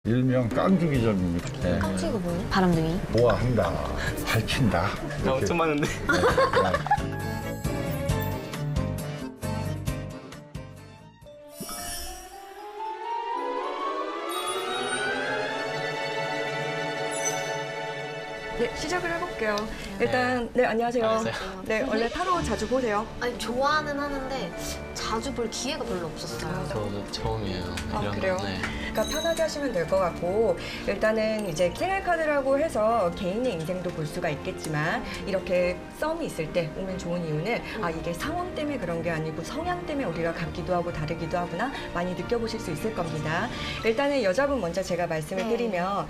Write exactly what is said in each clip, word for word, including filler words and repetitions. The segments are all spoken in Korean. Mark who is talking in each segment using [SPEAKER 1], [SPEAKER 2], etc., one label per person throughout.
[SPEAKER 1] 일명 깡주기점입니다. 네.
[SPEAKER 2] 깡치가 뭐예요? 바람둥이?
[SPEAKER 1] 보아한다, 밝힌다.
[SPEAKER 3] 나 엄청 많은데.
[SPEAKER 1] 네, 네.
[SPEAKER 4] 네, 시작을 해볼게요. 일단, 네, 안녕하세요.
[SPEAKER 3] 안녕하세요.
[SPEAKER 4] 네, 원래 타로 자주 보세요?
[SPEAKER 2] 아니 좋아는 하는데 자주 볼 기회가 별로 없었어요.
[SPEAKER 3] 저도 처음이에요.
[SPEAKER 4] 아,
[SPEAKER 3] 이런
[SPEAKER 4] 그래요?
[SPEAKER 3] 거. 네.
[SPEAKER 4] 그러니까 편하게 하시면 될 것 같고, 일단은 이제 생일 카드라고 해서 개인의 인생도 볼 수가 있겠지만, 이렇게 썸이 있을 때 오면 좋은 이유는 아, 이게 상황 때문에 그런 게 아니고 성향 때문에 우리가 같기도 하고 다르기도 하구나 많이 느껴보실 수 있을 겁니다. 일단은 여자분 먼저 제가 말씀을
[SPEAKER 2] 네.
[SPEAKER 4] 드리면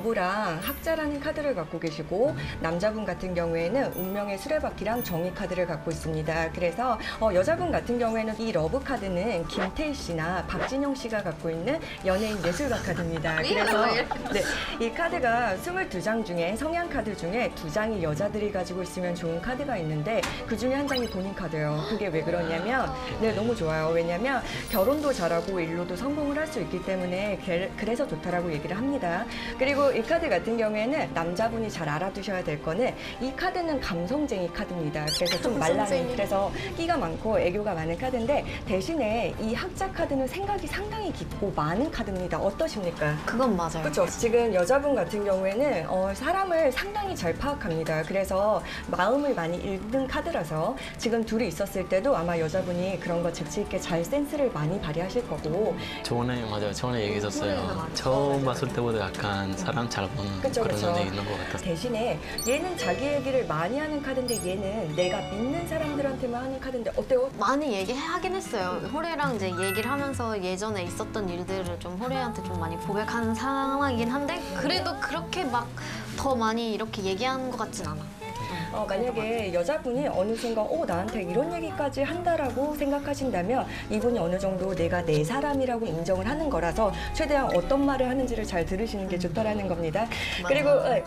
[SPEAKER 4] 러브랑 학자라는 카드를 갖고 계시고, 남자분 같은 경우에는 운명의 수레바퀴랑 정의 카드를 갖고 있습니다. 그래서 어, 여자분 같은 경우에는 이 러브 카드는 김태희 씨나 박진영 씨가 갖고 있는 연예인 예술가 카드입니다. 그래서 네, 이 카드가 스물두 장 중에 성향 카드 중에 두 장이 여자들이 가지고 있으면 좋은 카드가 있는데 그 중에 한 장이 본인 카드예요. 그게 왜 그러냐면 네, 너무 좋아요. 왜냐면 결혼도 잘하고 일로도 성공을 할 수 있기 때문에 게- 그래서 좋다라고 얘기를 합니다. 그리고 이 카드 같은 경우에는 남자분이 잘 알아두셔야 될 거는 이 카드는 감성쟁이 카드입니다. 그래서 좀 말라는,
[SPEAKER 2] 감성쟁이.
[SPEAKER 4] 그래서 끼가 많고 애교가 많은 카드인데, 대신에 이 학자 카드는 생각이 상당히 깊고 많은 카드입니다. 어떠십니까?
[SPEAKER 2] 그건 맞아요.
[SPEAKER 4] 그렇죠. 지금 여자분 같은 경우에는 어, 사람을 상당히 잘 파악합니다. 그래서 마음을 많이 읽는 카드라서 지금 둘이 있었을 때도 아마 여자분이 그런 거 재치 있게 잘 센스를 많이 발휘하실 거고.
[SPEAKER 3] 저번에 맞아요. 저번에 얘기했었어요. 처음 봤을 때보다 약간 사람 잘 보는
[SPEAKER 4] 그쵸,
[SPEAKER 3] 그런
[SPEAKER 4] 그쵸.
[SPEAKER 3] 면이 있는 것 같았어요.
[SPEAKER 4] 대신에 얘는 자기 얘기를 많이 하는 카드인데 얘는 내가 믿는 사람들한테만 하는 카드인데 어때요?
[SPEAKER 2] 많이 얘기하긴 했어요. 호래랑 이제 얘기를 하면서 예전에 있었던 일들을 좀 호래한테 좀 많이 고백하는 상황이긴 한데, 그래도 그렇게 막 더 많이 이렇게 얘기하는 것 같진 않아.
[SPEAKER 4] 어, 만약에 여자분이 어느 순간 어, 나한테 이런 얘기까지 한다라고 생각하신다면 이분이 어느 정도 내가 내 사람이라고 인정을 하는 거라서 최대한 어떤 말을 하는지를 잘 들으시는 게 좋다라는 겁니다. 그리고 어,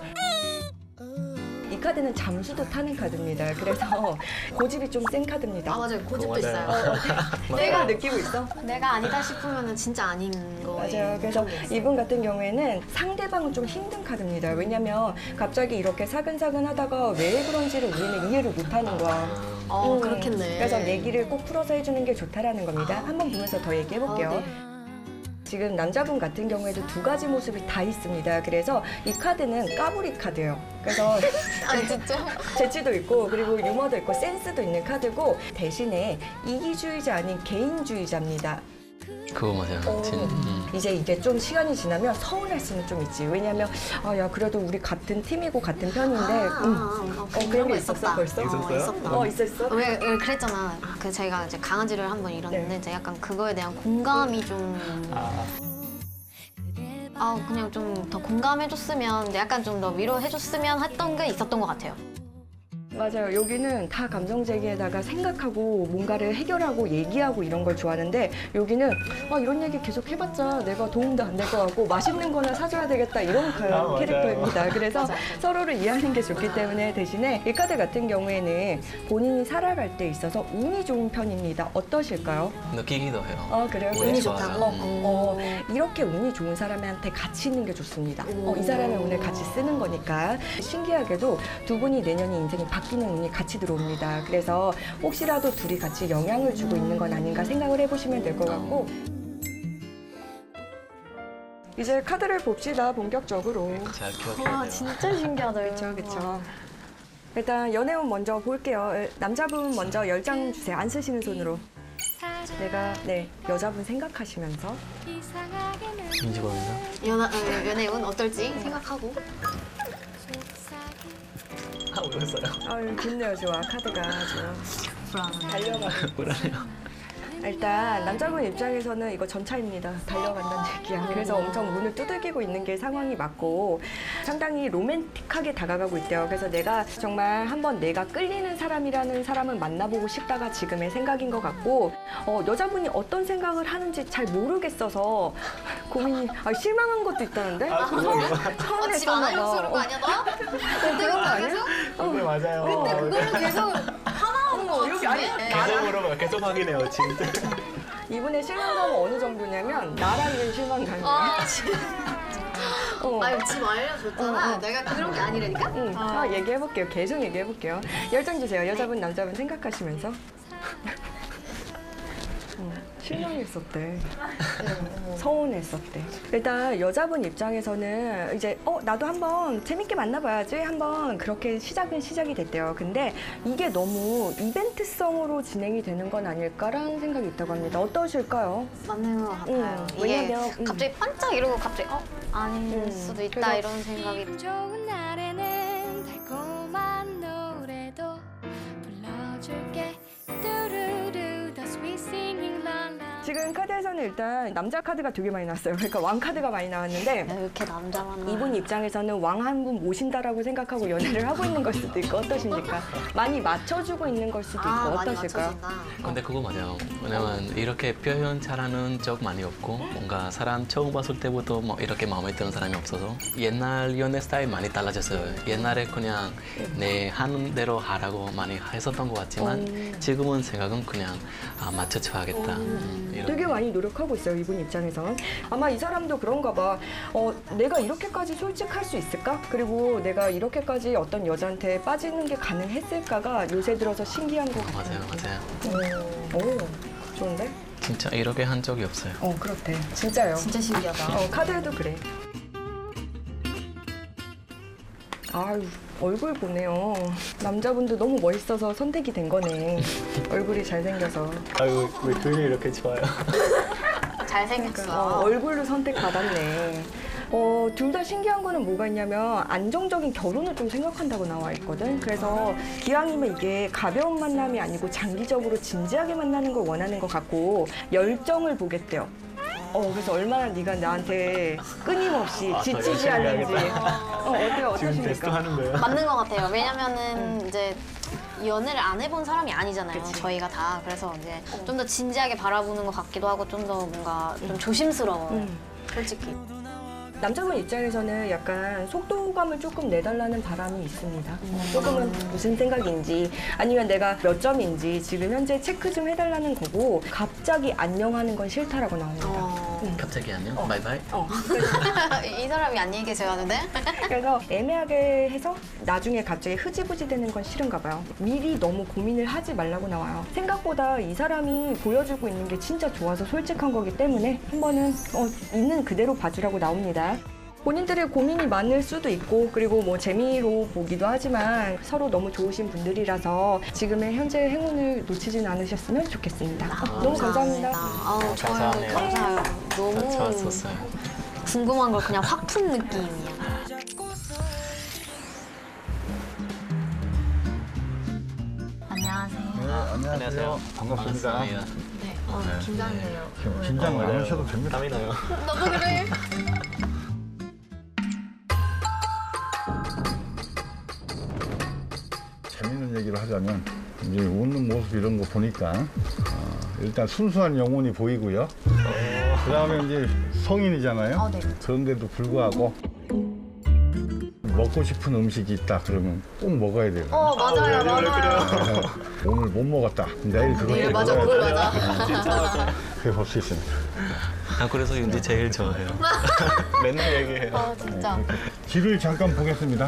[SPEAKER 4] 이 카드는 잠수도 타는 카드입니다. 그래서 고집이 좀 센 카드입니다.
[SPEAKER 2] 아 맞아요. 고집도
[SPEAKER 3] 맞아요.
[SPEAKER 2] 있어요.
[SPEAKER 4] 내가 느끼고 있어?
[SPEAKER 2] 내가 아니다 싶으면 진짜 아닌 거예요.
[SPEAKER 4] 맞아요. 그래서 이분 같은 경우에는 상대방은 좀 힘든 카드입니다. 왜냐면 갑자기 이렇게 사근사근 하다가 왜 그런지를 우리는 이해를 못하는 거야.
[SPEAKER 2] 어
[SPEAKER 4] 음,
[SPEAKER 2] 그렇겠네.
[SPEAKER 4] 그래서 얘기를 꼭 풀어서 해주는 게 좋다라는 겁니다. 한번 보면서 더 얘기해볼게요.
[SPEAKER 2] 아, 네.
[SPEAKER 4] 지금 남자분 같은 경우에도 두 가지 모습이 다 있습니다. 그래서 이 카드는 까불이 카드예요. 그래서
[SPEAKER 2] 아 진짜?
[SPEAKER 4] 재치도 있고 그리고 유머도 있고 센스도 있는 카드고, 대신에 이기주의자 아닌 개인주의자입니다.
[SPEAKER 3] 그거 맞아요.
[SPEAKER 4] 어,
[SPEAKER 3] 진, 음.
[SPEAKER 4] 이제 이게 좀 시간이 지나면 서운할 수는 좀 있지. 왜냐면 아, 야 그래도 우리 같은 팀이고 같은 편인데
[SPEAKER 2] 아,
[SPEAKER 4] 음.
[SPEAKER 2] 아, 아,
[SPEAKER 4] 어, 그런 게 있었어
[SPEAKER 2] 있었다.
[SPEAKER 4] 벌써?
[SPEAKER 2] 어,
[SPEAKER 3] 있었어요?
[SPEAKER 2] 있었다.
[SPEAKER 4] 어 있었어?
[SPEAKER 2] 왜, 왜 그랬잖아. 그 제가 이제 강아지를 한 번 잃었는데
[SPEAKER 4] 네.
[SPEAKER 2] 이제 약간 그거에 대한 공감이 좀
[SPEAKER 3] 아,
[SPEAKER 2] 아, 그냥 좀 더 공감해줬으면, 약간 좀 더 위로해줬으면 했던 게 있었던 것 같아요.
[SPEAKER 4] 맞아요. 여기는 다 감정제기에다가 생각하고 뭔가를 해결하고 얘기하고 이런 걸 좋아하는데, 여기는 아, 이런 얘기 계속 해봤자 내가 도움도 안 될 것 같고 맛있는 거나 사줘야 되겠다 이런 그
[SPEAKER 3] 아, 맞아요.
[SPEAKER 4] 캐릭터입니다. 그래서 서로를 이해하는 게 좋기 때문에, 대신에 이 카드 같은 경우에는 본인이 살아갈 때 있어서 운이 좋은 편입니다. 어떠실까요?
[SPEAKER 3] 느끼기도 해요.
[SPEAKER 4] 아 그래요?
[SPEAKER 3] 운이
[SPEAKER 4] 운이
[SPEAKER 3] 좋아요.
[SPEAKER 4] 좋다고?
[SPEAKER 3] 음.
[SPEAKER 4] 어, 이렇게 운이 좋은 사람한테 같이 있는 게 좋습니다. 어, 이 사람의 운을 같이 쓰는 거니까. 신기하게도 두 분이 내년에 인생이 바뀌는 운이 같이 들어옵니다. 그래서 혹시라도 둘이 같이 영향을 주고 있는 건 아닌가 생각을 해보시면 될 것 같고, 이제 카드를 봅시다. 본격적으로.
[SPEAKER 3] 잘 기억해야
[SPEAKER 2] 와,
[SPEAKER 3] 돼요.
[SPEAKER 2] 진짜 신기하다.
[SPEAKER 4] 그렇죠, 그렇죠. 일단 연애운 먼저 볼게요. 남자분 먼저 열 장 주세요. 안 쓰시는 손으로. 내가 네 여자분 생각하시면서.
[SPEAKER 3] 김지범입니다.
[SPEAKER 2] 연하, 어, 연애운 어떨지 생각하고.
[SPEAKER 3] 아, 울었어요.
[SPEAKER 4] 아유 좋네요, 좋아. 카드가 아주
[SPEAKER 2] 불안하네.
[SPEAKER 4] 달려가는.
[SPEAKER 3] 울어요.
[SPEAKER 4] 일단 남자분 입장에서는 이거 전차입니다. 달려간다는 얘기야. 그래서 엄청 문을 두들기고 있는 게 상황이 맞고, 상당히 로맨틱하게 다가가고 있대요. 그래서 내가 정말 한번 내가 끌리는 사람이라는 사람은 만나보고 싶다가 지금의 생각인 것 같고, 어, 여자분이 어떤 생각을 하는지 잘 모르겠어서 고민이, 아, 실망한 것도 있다는데?
[SPEAKER 3] 아, 그거
[SPEAKER 4] 처음-
[SPEAKER 3] 그거.
[SPEAKER 4] 처음에
[SPEAKER 2] 어, 집 안하려고 그런 거
[SPEAKER 4] 어,
[SPEAKER 2] 아니야, 너? 그때
[SPEAKER 4] 그런 거 아니야?
[SPEAKER 3] 네, 맞아요.
[SPEAKER 2] 근데 그걸로 계속 화나는 거
[SPEAKER 4] 여기 아니,
[SPEAKER 2] 같은데?
[SPEAKER 3] 계속 물어봐요. 계속 확인해요, 진짜.
[SPEAKER 4] 이분의 실망감은 어느 정도냐면 나랑 는 실망감이에요.
[SPEAKER 2] 아, 진짜.
[SPEAKER 4] 어.
[SPEAKER 2] 아니 지금 알려줬잖아.
[SPEAKER 4] 어, 어.
[SPEAKER 2] 내가 그런 게 아니라니까.
[SPEAKER 4] 응. 아, 얘기해볼게요. 계속 얘기해볼게요. 열정 주세요. 여자분, 남자분 생각하시면서. 응, 실망했었대. 서운했었대. 일단 여자분 입장에서는 이제 어 나도 한번 재밌게 만나봐야지 한번 그렇게 시작은 시작이 됐대요. 근데 이게 너무 이벤트성으로 진행이 되는 건 아닐까라는 생각이 있다고 합니다. 어떠실까요?
[SPEAKER 2] 맞는 것 같아요.
[SPEAKER 4] 음,
[SPEAKER 2] 이게
[SPEAKER 4] 왜냐면, 음.
[SPEAKER 2] 갑자기 반짝 이러고 갑자기 어 아닐
[SPEAKER 4] 음,
[SPEAKER 2] 수도 있다
[SPEAKER 4] 그래서-
[SPEAKER 2] 이런 생각이.
[SPEAKER 5] 좋은 날에는 달콤한 노래도 불러줄게 뚜루루 The sweet singing lullaby
[SPEAKER 4] 지금 카드에서는 일단 남자 카드가 되게 많이 나왔어요. 그러니까 왕 카드가 많이 나왔는데
[SPEAKER 2] 야, 이렇게 남자만
[SPEAKER 4] 이분 입장에서는 왕 한 분 모신다라고 생각하고 연애를 하고 있는 걸 수도 있고 어떠십니까? 많이 맞춰주고 있는 걸 수도 있고
[SPEAKER 2] 아, 많이
[SPEAKER 4] 어떠실까요?
[SPEAKER 2] 맞춰준다.
[SPEAKER 3] 근데 그거 맞아요. 왜냐면 이렇게 표현 잘하는 적 많이 없고 뭔가 사람 처음 봤을 때부터 뭐 이렇게 마음에 드는 사람이 없어서 옛날 연애 스타일 많이 달라졌어요. 옛날에 그냥 내 하는 대로 하라고 많이 했었던 것 같지만 지금은 생각은 그냥 아, 맞춰줘야겠다. 음, 이런.
[SPEAKER 4] 되게 많이 노력하고 있어요, 이분 입장에선. 아마 이 사람도 그런가 봐. 어, 내가 이렇게까지 솔직할 수 있을까? 그리고 내가 이렇게까지 어떤 여자한테 빠지는 게 가능했을까가 요새 들어서 신기한 것 같아요.
[SPEAKER 3] 맞아요, 맞아요.
[SPEAKER 4] 오, 오, 좋은데?
[SPEAKER 3] 진짜 이렇게 한 적이 없어요.
[SPEAKER 4] 어, 그렇대. 진짜요.
[SPEAKER 2] 진짜 신기하다.
[SPEAKER 4] 어, 카드에도 그래. 아유, 얼굴 보네요. 남자분도 너무 멋있어서 선택이 된 거네. 얼굴이 잘생겨서.
[SPEAKER 3] 아유, 왜 그림이 이렇게 좋아요?
[SPEAKER 2] 잘생겼어.
[SPEAKER 4] 어, 얼굴로 선택받았네. 어, 둘 다 신기한 거는 뭐가 있냐면 안정적인 결혼을 좀 생각한다고 나와 있거든. 그래서 기왕이면 이게 가벼운 만남이 아니고 장기적으로 진지하게 만나는 걸 원하는 것 같고 열정을 보겠대요. 어, 그래서 얼마나 네가 나한테 끊임없이 지치지
[SPEAKER 3] 열심히
[SPEAKER 4] 않는지.
[SPEAKER 3] 해야겠다.
[SPEAKER 4] 어, 어때요? 어떠십니까?
[SPEAKER 3] 하는 거예요?
[SPEAKER 2] 맞는 것 같아요. 왜냐면은 이제 연애를 안 해본 사람이 아니잖아요.
[SPEAKER 4] 그치.
[SPEAKER 2] 저희가 다. 그래서 이제 좀 더 진지하게 바라보는 것 같기도 하고 좀 더 뭔가 좀 조심스러워요.
[SPEAKER 4] 음.
[SPEAKER 2] 솔직히.
[SPEAKER 4] 남자분 입장에서는 약간 속도감을 조금 내달라는 바람이 있습니다. 조금은 무슨 생각인지 아니면 내가 몇 점인지 지금 현재 체크 좀 해달라는 거고 갑자기 안녕하는 건 싫다라고 나옵니다.
[SPEAKER 2] 어...
[SPEAKER 3] 갑자기 안녕? 바이바이?
[SPEAKER 4] 어,
[SPEAKER 2] 이 사람이 안녕히 계세요 하는데?
[SPEAKER 4] 그래서 애매하게 해서 나중에 갑자기 흐지부지 되는 건 싫은가 봐요. 미리 너무 고민을 하지 말라고 나와요. 생각보다 이 사람이 보여주고 있는 게 진짜 좋아서 솔직한 거기 때문에 한 번은 어, 있는 그대로 봐주라고 나옵니다. 본인들의 고민이 많을 수도 있고 그리고 뭐 재미로 보기도 하지만 서로 너무 좋으신 분들이라서 지금의 현재 행운을 놓치진 않으셨으면 좋겠습니다. 어, 너무 감사합니다.
[SPEAKER 2] 아우, 저요.
[SPEAKER 3] 감사하네요.
[SPEAKER 2] 감사해요. 너무
[SPEAKER 3] 좋았었어요.
[SPEAKER 2] 궁금한 걸 그냥 확 푼 느낌이야. 안녕하세요.
[SPEAKER 1] 네, 안녕하세요. 반갑습니다.
[SPEAKER 3] 반갑습니다.
[SPEAKER 2] 네, 어, 긴장돼요.
[SPEAKER 1] 지금 긴장 안 하셔도 됩니다.
[SPEAKER 3] 땀이 나요.
[SPEAKER 2] 나도 그래.
[SPEAKER 1] 재밌는 얘기를 하자면 이제 웃는 모습 이런 거 보니까 어, 일단 순수한 영혼이 보이고요. 그 다음에 이제 성인이잖아요.
[SPEAKER 2] 어, 네.
[SPEAKER 1] 그런데도 불구하고 먹고 싶은 음식이 있다 그러면 꼭 먹어야 돼요.
[SPEAKER 2] 어, 맞아요, 맞아요.
[SPEAKER 1] 오늘 못 먹었다. 내일 그거
[SPEAKER 2] 네,
[SPEAKER 1] 또
[SPEAKER 2] 맞아,
[SPEAKER 1] 먹어야
[SPEAKER 2] 그걸
[SPEAKER 1] 돼.
[SPEAKER 2] 맞아.
[SPEAKER 1] 그게 볼 수 있습니다.
[SPEAKER 3] 아, 그래서 윤지 제일 좋아해요. 맨날 얘기해요.
[SPEAKER 2] 어, 진짜.
[SPEAKER 1] 길을 잠깐 보겠습니다.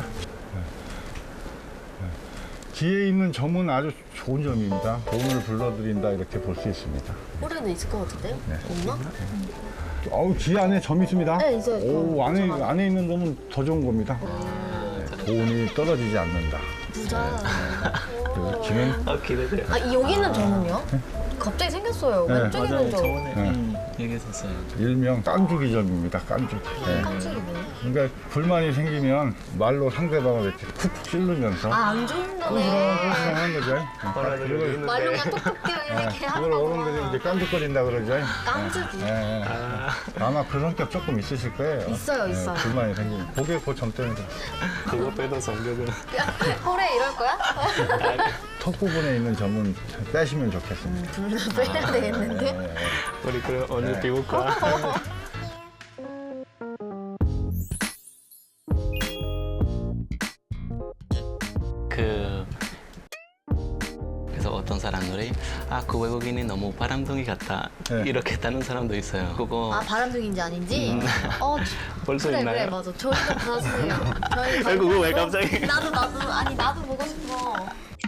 [SPEAKER 1] 뒤에 있는 점은 아주 좋은 점입니다. 돈을 불러드린다 이렇게 볼 수 있습니다.
[SPEAKER 2] 올해는 있을 것 같은데요? 없나?
[SPEAKER 1] 아우 뒤 안에 점이 있습니다.
[SPEAKER 2] 네, 있어요.
[SPEAKER 1] 오 안에
[SPEAKER 2] 부자가.
[SPEAKER 1] 안에 있는 점은 더 좋은 겁니다. 네, 돈이 떨어지지 않는다.
[SPEAKER 2] 부자.
[SPEAKER 1] 그리고 뒤는
[SPEAKER 3] 아, 기대돼요.
[SPEAKER 2] 아, 여기는 점은요? 갑자기 생겼어요.
[SPEAKER 1] 네,
[SPEAKER 2] 왼쪽에는
[SPEAKER 3] 맞아요.
[SPEAKER 2] 점.
[SPEAKER 3] 저번에
[SPEAKER 1] 네.
[SPEAKER 3] 음, 얘기했었어요.
[SPEAKER 1] 일명 깐죽이 점입니다. 깐죽. 네.
[SPEAKER 2] 깜짝이네.
[SPEAKER 1] 그러니까 불만이 생기면 말로 상대방을 이렇게 쿡 찌르면서
[SPEAKER 2] 아, 안
[SPEAKER 1] 그런
[SPEAKER 2] 좋은다네.
[SPEAKER 1] 하는 거죠. 그걸
[SPEAKER 2] 말로 그냥 톡톡 뛰어 이렇게
[SPEAKER 1] 그걸
[SPEAKER 2] 하고.
[SPEAKER 1] 어른들이 이제 깐죽거린다 그러죠.
[SPEAKER 2] 깐죽이.
[SPEAKER 1] 네, 네. 아마 그 성격 조금 있으실 거예요.
[SPEAKER 2] 있어요, 있어요.
[SPEAKER 1] 불만이 생기면. 그게 그 점 때문에.
[SPEAKER 3] 그거 빼도 성격은.
[SPEAKER 2] 홀에 이럴 거야?
[SPEAKER 1] 턱 부분에 있는 점은 빼시면 좋겠습니다.
[SPEAKER 2] 둘 다 빼야 되겠는데?
[SPEAKER 1] 네.
[SPEAKER 3] 우리 그럼 오늘 비울까? 그 그래서 어떤 어떤 사람들이 아, 그 외국인이 너무 바람둥이 같다.
[SPEAKER 1] 네.
[SPEAKER 3] 이렇게 했다는 사람도 있어요. 그거
[SPEAKER 2] 아 바람둥이인지 아닌지. 어
[SPEAKER 3] 벌써
[SPEAKER 2] 그래
[SPEAKER 3] 있나요?
[SPEAKER 2] 그래 맞아. 저희도 받았어요. 저희
[SPEAKER 3] 아이고, 그거 왜
[SPEAKER 2] 받았어.
[SPEAKER 3] 갑자기?
[SPEAKER 2] 나도 나도 아니 나도 보고 싶어.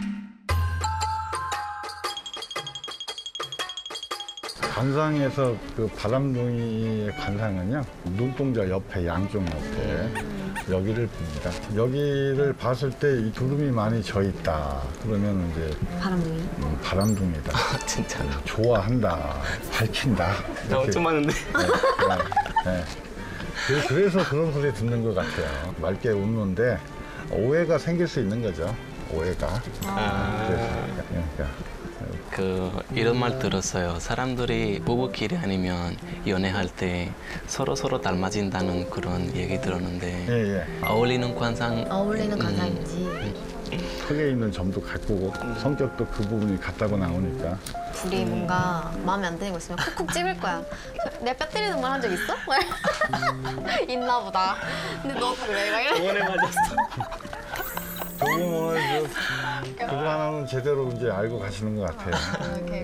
[SPEAKER 1] 관상에서 그 바람둥이의 관상은요, 눈동자 옆에, 양쪽 옆에 여기를 봅니다. 여기를 봤을 때 이 두름이 많이 져 있다. 그러면 이제
[SPEAKER 2] 바람둥이.
[SPEAKER 1] 음, 바람둥이다.
[SPEAKER 3] 아, 진짜로.
[SPEAKER 1] 좋아한다. 밝힌다.
[SPEAKER 3] 나 엄청 많은데.
[SPEAKER 1] 네, 네, 네. 그- 그래서 그런 소리 듣는 것 같아요. 맑게 웃는데 오해가 생길 수 있는 거죠. 오해가.
[SPEAKER 3] 아.
[SPEAKER 1] 그래서, 그러니까.
[SPEAKER 3] 그 이런 말 들었어요. 사람들이 부부끼리 아니면 연애할 때 서로 서로 닮아진다는 그런 얘기 들었는데
[SPEAKER 1] 예, 예.
[SPEAKER 3] 어울리는 관상
[SPEAKER 2] 어울리는
[SPEAKER 3] 음,
[SPEAKER 2] 관상인지.
[SPEAKER 1] 턱에 있는 점도 같고 성격도 그 부분이 같다고 나오니까.
[SPEAKER 2] 둘이 뭔가 마음에 안 드는 거 있으면 콕콕 찍을 거야. 내 뼈 때리는 말 한 적 있어? 있나 보다. 근데 너 그래. 막 이래.
[SPEAKER 3] 저번에 맞았어.
[SPEAKER 1] 조금 오늘 저 그거 하나는 제대로 이제 알고 가시는 것 같아요.
[SPEAKER 2] 이렇게.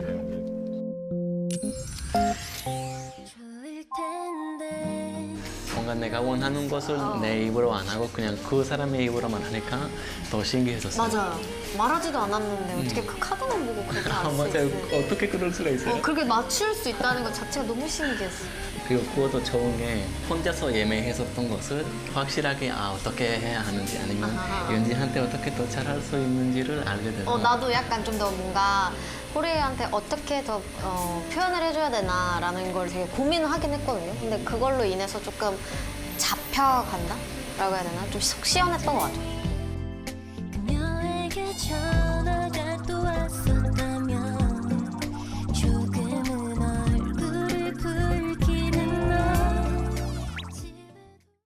[SPEAKER 5] 졸릴 텐데
[SPEAKER 3] 뭔가 내가 원하는 것을 내 입으로 안 하고 그냥 그 사람의 입으로만 하니까 더 신기해졌어요.
[SPEAKER 2] 맞아요. 말하지도 않았는데 어떻게 그 카드만 보고 그렇게
[SPEAKER 3] 아,
[SPEAKER 2] 알 수
[SPEAKER 3] 맞아요.
[SPEAKER 2] 있어요?
[SPEAKER 3] 어떻게 그럴 수가 있어요?
[SPEAKER 2] 어, 그렇게 맞출 수 있다는 것 자체가 너무 신기했어.
[SPEAKER 3] 그리고 그것도 좋은 게 혼자서 예매했었던 것을 확실하게 아 어떻게 해야 하는지 아니면
[SPEAKER 2] 아하.
[SPEAKER 3] 연지한테 어떻게 더 잘할 수 있는지를 알게 돼서
[SPEAKER 2] 어, 나도 약간 좀 더 뭔가 호레이한테 어떻게 더 어, 표현을 해줘야 되나라는 걸 되게 고민을 하긴 했거든요. 근데 그걸로 인해서 조금 잡혀간다? 라고 해야 되나? 좀 속 시원했던 것 같아요.
[SPEAKER 5] 그녀에게 전